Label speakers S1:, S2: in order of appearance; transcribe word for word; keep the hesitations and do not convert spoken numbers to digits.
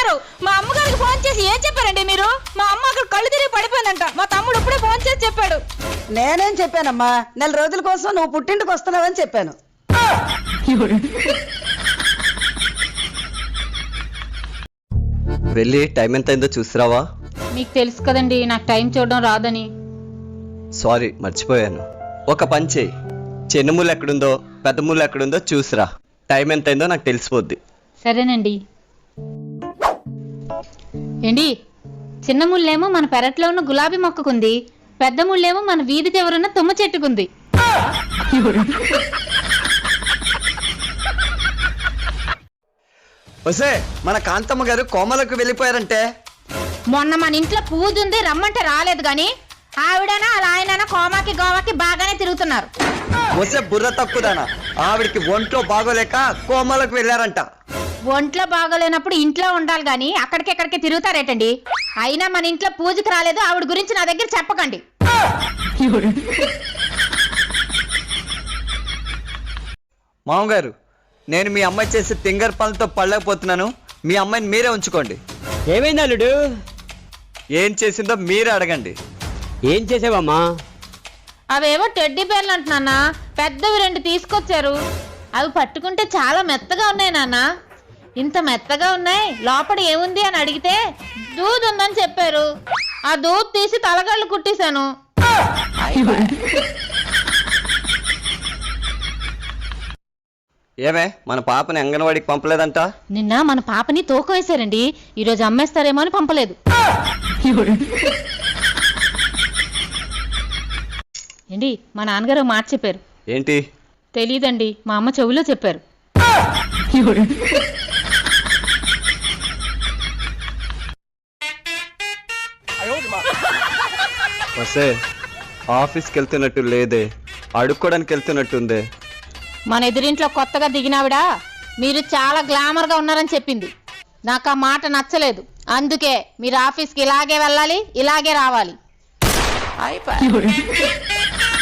S1: అమ్మగారు మా అమ్మగారికి ఫోన్ చేసి ఏం చెప్పారండి మీరు? మా అమ్మ అక్కడ కళ్ళు తిరిగి పడిపోయిందంట. మా తమ్ముడు ఇప్పుడే ఫోన్ చేసి చెప్పాడు.
S2: నేనేం చెప్పానమ్మా, నెల రోజుల కోసం నువ్వు పుట్టింటికి వస్తున్నావని చెప్పాను.
S3: వెళ్ళి టైం ఎంత అయిందో చూసిరావా?
S1: మీకు తెలుసు కదండి నాకు టైం చూడడం రాదని.
S3: సారీ మర్చిపోయాను. ఒక పని చేయి, చిన్న ముళ్ళు ఎక్కడుందో పెద్ద ముళ్ళు ఎక్కడుందో చూసిరా. టైం ఎంత అయిందో నాకు తెలిసిపోద్ది.
S1: సరేనండి. ఏండి, చిన్న ముళ్ళేమో మన పెరట్లో ఉన్న గులాబీ మొక్కకుంది, పెద్ద ముళ్ళేమో మన వీధి చివరున్న తుమ్మ చెట్టుకుంది.
S3: వసే, మన కాంతమ్మ గారు కోమలకు వెళ్ళిపోయారంటే.
S1: మొన్న మన ఇంట్లో పూజ ఉంది రమ్మంటే రాలేదు గాని ఆవిడనా అలా ఆయననా కోమాకి గోవాకి బాగానే తిరుగుతున్నారు.
S3: వసే బుర్ర తక్కువదానా, ఆవిడికి ఒంట్లో బాగోలేక కోమలకు వెళ్ళారంట.
S1: ఒంట్లో బాగోలేనప్పుడు ఇంట్లో ఉండాలి గాని అక్కడికెక్కడికి తిరుగుతారేటండి. అయినా మన ఇంట్లో పూజకి రాలేదు, ఆవిడ గురించి నా దగ్గర చెప్పకండి.
S3: మామగారు, నేను మీ అమ్మాయి చేసే తింగర్ పనులతో పడలేకపోతున్నాను. మీ అమ్మాయిని మీరే ఉంచుకోండి.
S4: ఏమైంది అల్లుడు?
S3: ఏం చేసిందో మీరే అడగండి.
S4: ఏం చేసావమ్మా?
S1: అవేవో టెడ్డీ బేర్లు అంటున్నా, పెద్దవి రెండు తీసుకొచ్చారు. అవి పట్టుకుంటే చాలా మెత్తగా ఉన్నాయి నాన్న. ఇంత మెత్తగా ఉన్నాయి, లోపల ఏముంది అని అడిగితే దూద్ ఉందని చెప్పారు. ఆ దూద్ తీసి తలగళ్ళు కుట్టేశాను.
S3: ఏమే, మన పాపని అంగన్వాడికి పంపలేదంట?
S1: నిన్న మన పాపని తూకం వేశారండి, ఈరోజు అమ్మేస్తారేమో అని పంపలేదు. ఏంటి, మా నాన్నగారు మాట చెప్పారు.
S3: ఏంటి?
S1: తెలీదండి, మా అమ్మ చెవిలో చెప్పారు.
S3: వసే, ఆఫీస్కి వెళ్తున్నట్టు లేదే, అడుక్కోవడానికి వెళ్తున్నట్టుందే.
S1: మన ఎదురింట్లో కొత్తగా దిగినావిడా మీరు చాలా గ్లామర్గా ఉన్నారని చెప్పింది. నాకు ఆ మాట నచ్చలేదు. అందుకే మీరు ఆఫీస్కి ఇలాగే వెళ్ళాలి, ఇలాగే రావాలి.